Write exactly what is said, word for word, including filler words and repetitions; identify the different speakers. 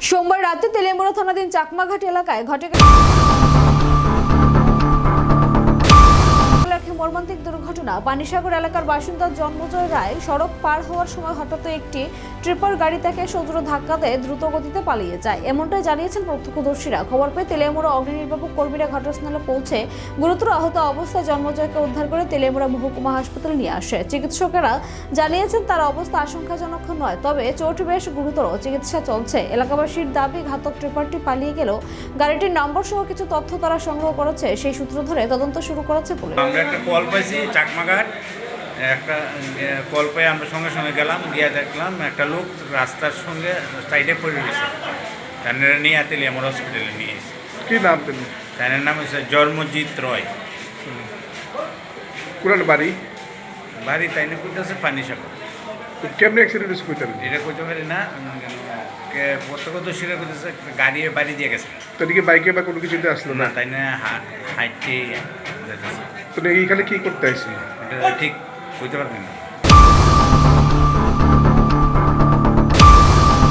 Speaker 1: সোমবার রাতে তেলেমুড়া থানাধীন চাকমাঘাট এলাকায় ঘটে মর্মান্তিক দুর্ঘটনা। পানিসাগর এলাকার বাসিন্দা জন্মজয় রায় সড়ক পার হওয়ার সময় হঠাৎ একটি ট্রিপার গাড়ি তাকে সজোর ধাক্কা দিয়ে দ্রুত গতিতে পালিয়ে যায়, এমনটাই জানিয়েছেন প্রত্যক্ষদর্শীরা। খবর পেয়ে তেলেমুড়া অগ্নি নির্বাপক কর্মীরা ঘটনাস্থলে পৌঁছে গুরুতর আহত অবস্থায় জন্মজয়কে উদ্ধার করে তেলেমুড়া মহকুমা হাসপাতালে নিয়ে আসে। চিকিৎসকেরা জানিয়েছেন তার অবস্থা আশঙ্কাজনক নয়, তবে চোট বেশ গুরুতর, চিকিৎসা চলছে। এলাকাবাসীর দাবি, ঘাতক ট্রিপারটি পালিয়ে গেলেও গাড়িটির নম্বর সহ কিছু তথ্য তারা সংগ্রহ করেছে, সেই সূত্র ধরে তদন্ত শুরু করেছে পুলিশ।
Speaker 2: কল পাইছি চাকমাঘাট, একটা কল পেয়ে আমরা সঙ্গে সঙ্গে গেলাম, গিয়ে দেখলাম একটা লোক রাস্তার সঙ্গে সাইডে পড়ে গেছে। তার নিয়ে তেলিয়ামুর হসপিটালে নিয়ে এসেছে।
Speaker 3: কি নাম তিনি?
Speaker 2: তার নাম হচ্ছে জন্মজিৎ রয়।
Speaker 3: কোন বাড়ি?
Speaker 2: বাড়ি তাই না কইতেছে পানিসাগর।
Speaker 3: কেমনি অ্যাক্সিডেন্ট হয়েছে কইতেন?
Speaker 2: এটা কইতে পারি না, প্রত্যক্ষদর্শীরা কইতেছে গাড়ি বাড়ি দিয়ে গেছে।
Speaker 3: তো এদিকে বাইকে বা কোনো কিছুতে আসলো
Speaker 2: না,
Speaker 3: না?
Speaker 2: তাই না হাইটে যেতেছে।
Speaker 3: তো এইখানে কি করতে আসছিল?
Speaker 2: এটা ঠিক কইতে পারবেন না।